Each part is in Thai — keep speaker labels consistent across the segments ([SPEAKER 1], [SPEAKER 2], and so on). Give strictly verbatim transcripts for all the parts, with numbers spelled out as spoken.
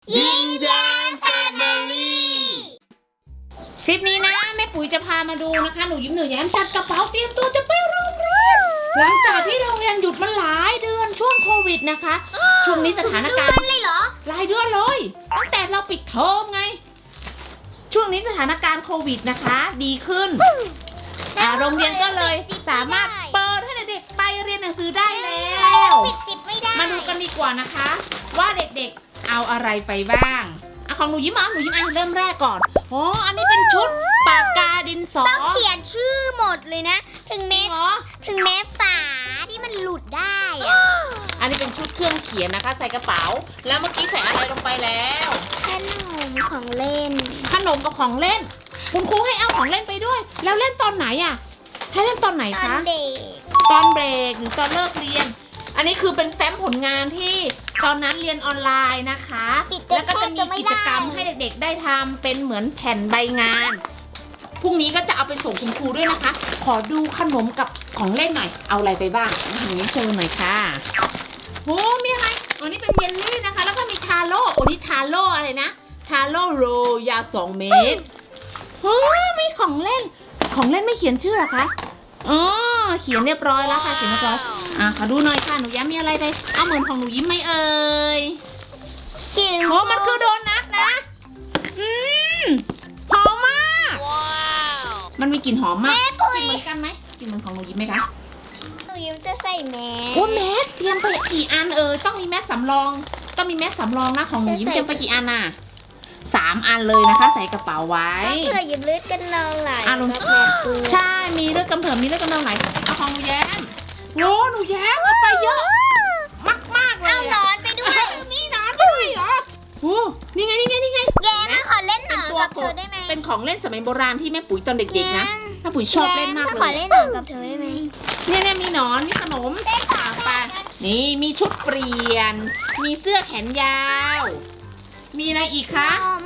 [SPEAKER 1] ยิ้มแย้มแฟมิลี่คลิปนี้นะแม่ปุ๋ยจะพามาดูนะคะหนูยิ้มหนูแย้มจัดกระเป๋าเตรียมตัวจะไปโรงเรียนหลังจากที่โรงเรียนหยุดมาหลายเดือนช่วงโควิดนะคะช่วงนี้สถานการณ์เลยเหรอหลายเดือนเลยตั้งแต่เราปิดเทอมไงช่วงนี้สถานการณ์โควิดนะคะดีขึ้นอ่าโรงเรียนก็เลยสามารถเปิดให้เด็กๆไปเรียนหนังสือได้แล้วมาดูกันดีกว่านะคะว่าเด็กๆเอาอะไรไปบ้างอ่ะของหนูยิ้มอ่ะหนูยิ้มอ่ะเริ่มแรกก่อนอ๋ออันนี้เป็นชุดปากกาดินสอ
[SPEAKER 2] ต้องเขียนชื่อหมดเลยนะถึงแม้
[SPEAKER 1] เหรอ
[SPEAKER 2] ถึงแม้ฝาที่มันหลุดได้อะ
[SPEAKER 1] อันนี้เป็นชุดเครื่องเขียนนะคะใส่กระเป๋าแล้วเมื่อกี้ใส่อะไรลงไปแล้ว
[SPEAKER 2] ขนมของเล่น
[SPEAKER 1] ขนมกับของเล่นคุณครูให้เอาของเล่นไปด้วย แล้วเล่นตอนไหนอ่ะให้เล่นตอนไหน
[SPEAKER 2] ตอน
[SPEAKER 1] คะ
[SPEAKER 2] เด็ก
[SPEAKER 1] ตอนเบรกหรือตอนเลิกเรียน อันนี้คือเป็นแฟ้มผลงานที่ตอนนั้นเรียนออนไลน์นะคะแล้วก็จะมีกิจกรรมให้เด็กๆได้ทำเป็นเหมือนแผ่นใบงานพรุ่งนี้ก็จะเอาไปส่งคุณครูด้วยนะคะ ขอดูขนมกับของเล่นหน่อยเอาอะไรไปบ้างอย่างนี้โชว์หน่อยค่ะโอ้มีอะไรอ๋อนี่เป็นเยลลี่นะคะแล้วก็มีทาโร่โอ้นี่ทาโร่อะไรนะทาโร่โรยาวสองเมตรโอ้มีของเล่นของเล่นไม่เขียนชื่อเหรอคะอ๋อเขียนเรียบร้อยแล้วค่ะเขียนเรียบร้อยอ่ะขอดูหน่อยค่ะหนูย้ำมีอะไรไปเอาเหมือนของหนูยิ้มไหมเอ่ย
[SPEAKER 2] กิน
[SPEAKER 1] โอ้มันคือโดนัทนะอืมหอมมากมันมีกลิ่นหอมมากกลิ่นเหมือนกันไหมกลิ่นเหมือนของหนูยิ้มไหมคะ
[SPEAKER 2] หนูยิ้มจะใส่แมส
[SPEAKER 1] โอ้แมสเตรียมไปกี่อันเอ่ยต้องมีแมสสำรองต้องมีแมสสำรองนะของหนูยิ้มเตรียมไปกี่อันน่ะสามอันเลยนะคะใส่กระเป๋าไว้
[SPEAKER 2] เพื่อยิ้มเลือดกันนองไหล
[SPEAKER 1] อ่ะลง
[SPEAKER 2] แบบแบบปืน
[SPEAKER 1] ใช่มีเลือดกำเริบมีเลือดกำเริบไหนเอาของหนูแย้มโอ้หนูแย้มเอาไปเยอะมากมากๆเลย
[SPEAKER 2] เอาหนอนไปด้วย
[SPEAKER 1] มีหนอนด้วยเหรอโอ้นี่ไงนี่ไงนี่ไง
[SPEAKER 2] แย้มขอเล่นหนอนกับเธอได้ไหม
[SPEAKER 1] เป็นของเล่นสมัยโบราณที่แม่ปุ๋ยตอนเด็กๆนะแม่ปุ๋ยชอบเล่นมาก
[SPEAKER 2] แย้
[SPEAKER 1] เล
[SPEAKER 2] ขอย เล่นหนอนกับเธอได้ไหม
[SPEAKER 1] เนี่ยเนี่ยมีหนอนมีขนมอ่ะไปนี่มีชุดเปลี่ยน มีเสื้อแขนยาว มีอะไรอีกคะ
[SPEAKER 2] นม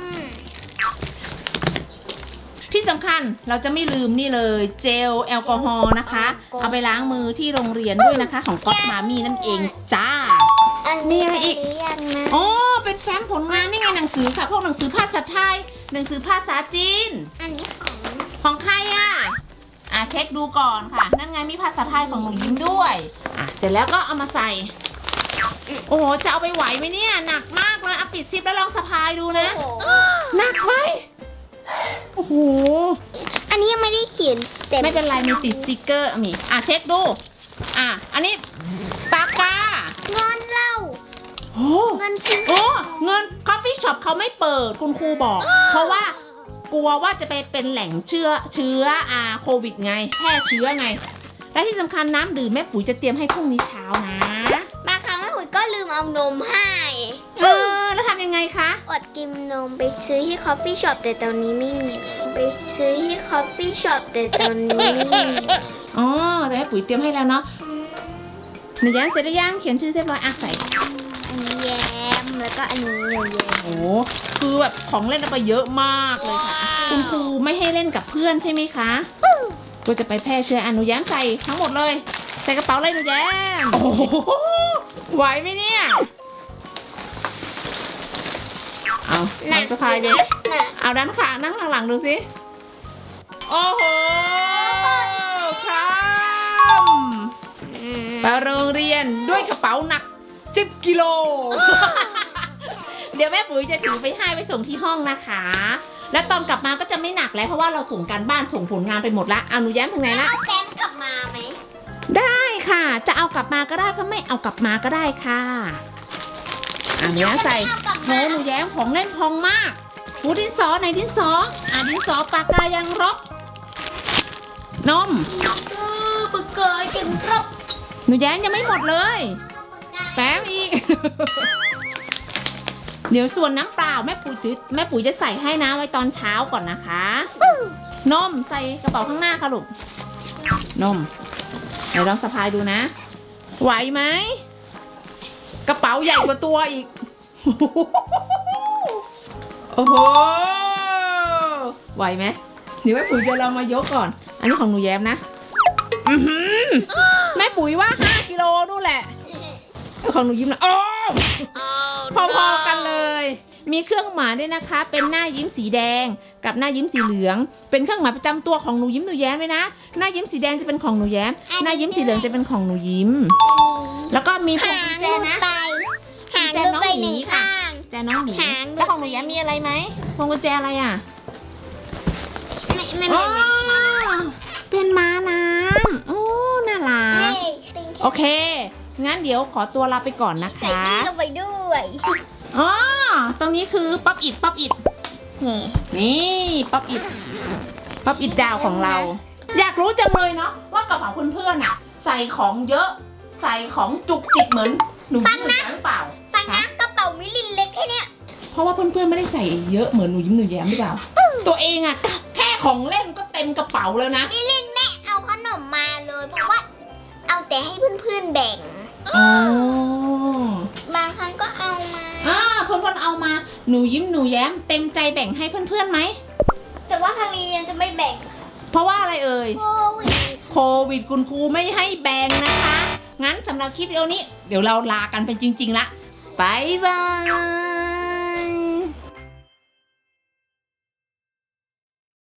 [SPEAKER 1] ที่สำคัญเราจะไม่ลืมนี่เลยเจลแอลกอฮอล์นะคะ เอาไปล้างมือที่โรงเรียนด้วยนะคะ ของก๊อตมามี่นั่นเองจ้า
[SPEAKER 2] อัน
[SPEAKER 1] มี
[SPEAKER 2] นี้
[SPEAKER 1] อะไรอีก
[SPEAKER 2] หรือยังนะ
[SPEAKER 1] อ๋อเป็นแฟ้มผลงานนี่ไงหนังสือค่ะพวกหนังสือภาษาไทยหนังสือภาษาจีน
[SPEAKER 2] อันนี้ของ
[SPEAKER 1] ของใครอ่ะอ่ะเช็คดูก่อนค่ะนั่นไงมีภาษาไทยของหนูยิ้มด้วยอ่ะเสร็จแล้วก็เอามาใส่โอ้โหจะเอาไปไหวไหมเนี่ยหนักมากเลยเอาปิดซิปแล้วลองสะพายดูนะ
[SPEAKER 2] โอ้โห
[SPEAKER 1] หนักไหมโอ้โห
[SPEAKER 2] อันนี้ยังไม่ได้เขียนเต็ม
[SPEAKER 1] ไม่เป็นไรมีติดสติกเกอร์มีอ่ะเช็คดูอ่ะอันนี้ปากกา
[SPEAKER 2] เงินเรา
[SPEAKER 1] โอ้
[SPEAKER 2] เงินซื้อ
[SPEAKER 1] โอ้เงินคอฟฟี่ช็อปเขาไม่เปิดคุณครูบอก เพราะว่ากลัวว่าจะไปเป็นแหล่งเชื้อเชื้ออาโควิดไงแพร่เชื้อไง และที่สำคัญน้ำดื่มแม่ปุ๋ยจะเตรียมให้พรุ่งนี้เช้านะ
[SPEAKER 2] บางครั้งแม่ปุ๋ยก็ลืมเอานมให้
[SPEAKER 1] เออแล้วทำยังไงคะ
[SPEAKER 2] อดกินนมไปซื้อที่คอฟฟี่ช็อปแต่ตอนนี้ไม่มีไปซื้อที่คอฟฟี่ช็อปแต่ตอนนี้ไม่มี
[SPEAKER 1] อ๋อแต่แม่ปุ๋ยเตรียมให้แล้วเนาะหนูแย้มเสร็จหรือยังเขียนชื่อเรียบร้อยอ่ะใส่
[SPEAKER 2] อันนี้แย้มแล้วก็อันนี้หนูแย้ม
[SPEAKER 1] โอ้คือแบบของเล่นเอาไปเยอะมากเลยค่ะอ่ะคุณครูไม่ให้เล่นกับเพื่อนใช่ไหมคะก็จะไปแพร่เชื้ออ่ะหนูแย้มใส่ทั้งหมดเลยใส่กระเป๋าเลยหนูแย้มโอ้โหไหวไหมเนี่ยเอาลองสะพายดิ
[SPEAKER 2] หนัก
[SPEAKER 1] เอาด้านข้างนั่งหลังๆดูสิโอ้โหครับไปโรงเรียนด้วยกระเป๋าหนักสิบกิโล เดี๋ยวแม่ปุ๋ยจะถือไปให้ไปส่งที่ห้องนะคะ แล้วตอนกลับมาก็จะไม่หนักแล้วเพราะว่าเราส่งการบ้านส่งผลงานไปหมดละเอาหนูแย้มถึงไหนละ
[SPEAKER 2] เอาแฟ้มกลับมาไหม
[SPEAKER 1] ได้ค่ะ จะเอากลับมาก็ได้ก็ไม่เอากลับมาก็ได้ค่ะอ่ะหนูแย้มใส่โหหนูแย้มของเล่นพองมากหูดินสอไหนดินสออ่ะดินสอปากกายังรบนม
[SPEAKER 2] คือปึกเกยถึงครบ
[SPEAKER 1] หนูแย้มยังไม่หมดเลยแป๊บอีก เดี๋ยวส่วนน้ำเปล่าแม่ปุ๋ยจะแม่ปุ๋ยจะใส่ให้นะไว้ตอนเช้าก่อนนะคะนมใส่กระเป๋าข้างหน้าค่ะลูกนมเดี๋ยวลองสะพายดูนะไหวไหมกระเป๋าใหญ่กว่าตัวอีก โอ้โหไหวไหมเดี๋ยวแม่ปุ๋ยจะลองมายกก่อนอันนี้ของหนูแย้มนะอื้อหือแม่ปุ๋ยว่าห้ากิโลนู่นแหละของหนูยิ้มนะโอ้พอๆกันเลยมีเครื่องหมายด้วยนะคะ เป็นหน้ายิ้มสีแดงกับหน้ายิ้มสีเหลือง เป็นเครื่องหมายประจำตัวของหนูยิ้มหนูแย้มเลยนะ หน้ายิ้มสีแดงจะเป็นของหนูแย้ม หน้ายิ้มสีเหลืองจะเป็นของหนูยิ้ม แล้วก็มีพวงกุญแจนะ
[SPEAKER 2] หางดูไปหนึ่งข้าง
[SPEAKER 1] แจน้องหมี
[SPEAKER 2] หางดู
[SPEAKER 1] แล้วของหนูแย้มมีอะไรไหมพวงกุญแจอะไรอ่ะ
[SPEAKER 2] ไม่ไม่
[SPEAKER 1] อ๋
[SPEAKER 2] ไม่
[SPEAKER 1] อเป็นม้าน้ำโอ้น่ารัก โอเค งั้นเดี๋ยวขอตัวลาไปก่อนนะ
[SPEAKER 2] ใส่
[SPEAKER 1] คะ
[SPEAKER 2] นี่ลงไปด้วย
[SPEAKER 1] อ๋อ ตรงนี้คือป๊อปอิดป๊อปอิด
[SPEAKER 2] นี่
[SPEAKER 1] นี่ป๊อปอิดป๊อปอิดดาวของเรา อยากรู้จังเลยเนาะว่ากระเป๋าเพื่อนๆอ่ะ ใส่ของเยอะ ใส่ของจุกจิกเหมือนหนูยิ้มหนูแย้มหรือเปล่า
[SPEAKER 2] ฟังนะกระเป๋ามิลินเล็กแค่เนี้ย
[SPEAKER 1] เพราะว่าเพื่อนๆไม่ได้ใส่เยอะเหมือนหนูยิ้มหนูแย้มหรือเปล่า ตัวเองอ่ะแค่ของเล่นก็เต็มกระเป๋าแล้วนะ
[SPEAKER 2] มิลินแม่เอาขนมมาเลยเพราะว่า เอาแต่ให้เพื่อนๆแบ่ง
[SPEAKER 1] อ๋อ
[SPEAKER 2] บางครั้งก็เอามา
[SPEAKER 1] อ่าเพื่อนๆเอามา หนูยิ้มหนูแย้มเต็มใจแบ่งให้เพื่อนๆไหม
[SPEAKER 2] แต่ว่าทางนี้ยังจะไม่แบ่ง
[SPEAKER 1] เพราะว่าอะไรเอ่ย
[SPEAKER 2] โควิด
[SPEAKER 1] โควิดคุณครูไม่ให้แบ่งนะคะ งั้นสำหรับคลิปวิดีโอนี้ เดี๋ยวเราลากันไปจริงๆละบ๊ายบาย